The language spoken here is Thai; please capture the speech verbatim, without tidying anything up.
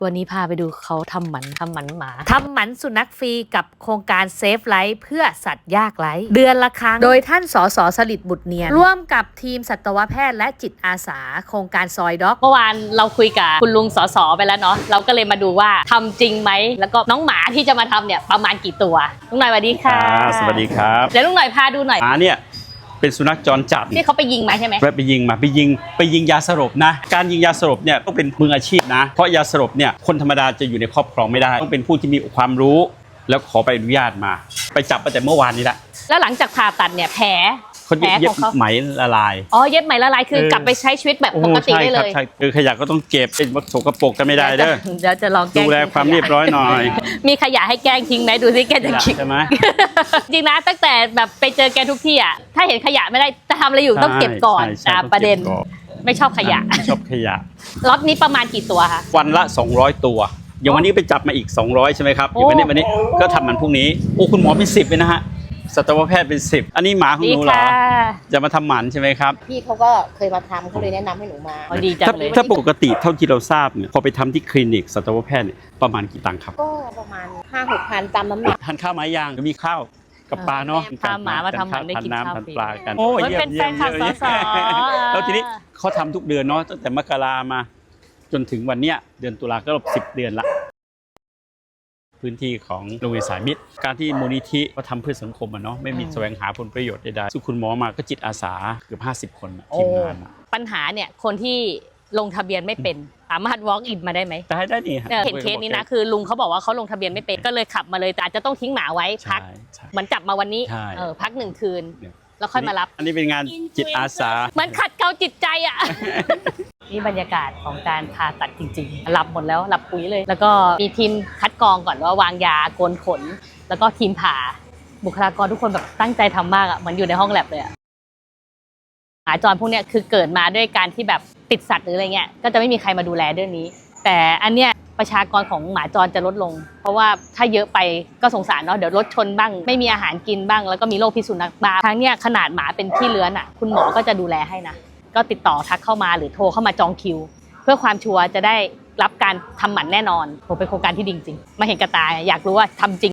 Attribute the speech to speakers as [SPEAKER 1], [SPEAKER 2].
[SPEAKER 1] วันนี้พาไปดูเขาทำหมันทำหมันหมาทำหมันสุนัขฟรีกับโครงการเซฟไลฟ์เพื่อสัตว์ยากไร้เดือนละครั้งโดยท่านสสสลิดบุตรเนียนร่วมกับทีมสัตวแพทย์และจิตอาสาโครงการซอยด็อกเมื่อวานเราคุยกับคุณลุงสสไปแล้วเนาะเราก็เลยมาดูว่าทำจริงไหมแล้วก็น้องหมาที่จะมาทำเนี่ยประมาณกี่ตัวลุงหน่อยสวัสดีค่ะ
[SPEAKER 2] สวัสดีครับ
[SPEAKER 1] เดี๋ยวลุงหน่อยพาดูหน่อย
[SPEAKER 2] หมาเนี่ยเป็นสุนัขจรจัด
[SPEAKER 1] ที่เขาไปยิงมาใช่ไหม
[SPEAKER 2] ไปยิงมาไปยิงไปยิงยาสลบนะการยิงยาสลบเนี่ยต้องเป็นมืออาชีพนะเพราะยาสลบเนี่ยคนธรรมดาจะอยู่ในครอบครองไม่ได้ต้องเป็นผู้ที่มีความรู้แล้วขอใบอนุญาตมาไปจับมาแต่เมื่อวานนี้แหละ
[SPEAKER 1] แล้วหลังจากผ่าตัดเนี่ยแผล
[SPEAKER 2] คนเย็บไหมละลาย
[SPEAKER 1] อ๋อเย็บไหมละลายคือกลับไปใช้ชีวิตแบบปกติได้เลย
[SPEAKER 2] ใช่คือขยะก็ต้องเก็บเป็นวัสดุกระปกกันไม่ได้เด้อ
[SPEAKER 1] เดี๋ยวจะลองแก้
[SPEAKER 2] ดูแลความเรียบร้อยหน่อย
[SPEAKER 1] มีขยะให้แกล้งทิ้งไหมดูสิแกจะคิด
[SPEAKER 2] ใช่ไหม
[SPEAKER 1] จริงนะตั้งแต่แบบไปเจอแกทุกที่อ่ะถ้าเห็นขยะไม่ได้จะทำอะไรอยู่ต้องเก็บก่อนนะประเด็นไม่ชอบขยะ
[SPEAKER 2] ไม่ชอบขยะ
[SPEAKER 1] ล็อตนี้ประมาณกี่ตัวคะ
[SPEAKER 2] วันละสองร้อยตัวอย่างวันนี้ไปจับมาอีกสองร้อยใช่ไหมครับอย่างวันนี้วันนี้ก็ทำมันพรุ่งนี้โอ้คุณหมอเป็นสิบเลยนะฮะสัตวแพทย์เป็นสิบอันนี้หมาของหนูเหรอจะมาทำหมันใช่ไหมครับ
[SPEAKER 3] พี่เขาก็เคยมาทำเขาเลยแนะนำให้หนูมา
[SPEAKER 1] ดีจังเลย
[SPEAKER 2] ถ้าปกติเท่าที่เราทราบเนี่ยพอไปทำที่คลินิกสัตวแพทย์เนี่ยประมาณกี่ตังค์ครับ
[SPEAKER 3] ก็ประมาณห้าหกพันตามน้ำหนัก
[SPEAKER 2] ทานข้าวไหมยังมีข้าวกับปลาเนาะ
[SPEAKER 1] พาหมามาทำหมันได้กินข้าวฟรี
[SPEAKER 2] ปลากัน
[SPEAKER 1] โอ้ยเป็นแฟนคลับสส
[SPEAKER 2] แล้วทีนี้เขาทำทุกเดือนเนาะตั้งแต่มกรามาจนถึงวันเนี้ยเดือนตุลาก็สิบเดือนละพื้นที่ของโรงเรียนสายมิตรการที่มูลนิธิเขาทำเพื่อสังคมอะเนาะไม่มีแสวงหาผลประโยชน์ใดๆสุคุณหมอมาก็จิตอาสาเกือบห้าสิบคนทีมงาน
[SPEAKER 1] ปัญหาเนี่ยคนที่ลงทะเบียนไม่เป็นสามารถ walk in มาได้ไหม
[SPEAKER 2] ได้ได้นี่
[SPEAKER 1] เห็นเคสนี้นะคือลุงเขาบอกว่าเขาลงทะเบียนไม่เป็นก็เลยขับมาเลยแต่อาจจะต้องทิ้งหมาไว้พักเหมือนจับมาวันนี้เออพักหนึ่งคืนแล้วค่อยมารับ
[SPEAKER 2] อันนี้เป็นงานจิตอาสา
[SPEAKER 1] เหมือนขัดเกลาจิตใจอ่ะนี่บรรยากาศของการผ่าตัดจริงๆหลับหมดแล้วหลับปุ๋ยเลยแล้วก็มีทีมคัดกรองก่อนว่าวางยาโกนขนแล้วก็ทีมผ่าบุคลากรทุกคนแบบตั้งใจทำมากอ่ะเหมือนอยู่ในห้องแลบเลยอ่ะหมาจรพวกเนี้ยคือเกิดมาด้วยการที่แบบติดสัตว์หรืออะไรเงี้ยก็จะไม่มีใครมาดูแลเรื่องนี้แต่อันเนี้ยประชากรของหมาจรจะลดลงเพราะว่าถ้าเยอะไปก็สงสารเนาะเดี๋ยวรถชนบ้างไม่มีอาหารกินบ้างแล้วก็มีโรคพิษสุนัขบ้าทั้งเนี้ยขนาดหมาเป็นขี้เลื้อนอ่ะคุณหมอก็จะดูแลให้นะก็ติดต่อทักเข้ามาหรือโทรเข้ามาจองคิวเพื่อความชัวร์จะได้รับการทำหมันแน่นอนโหเป็นโครงการที่ดีจริงมาเห็นกระตายอยากรู้ว่าทำจริง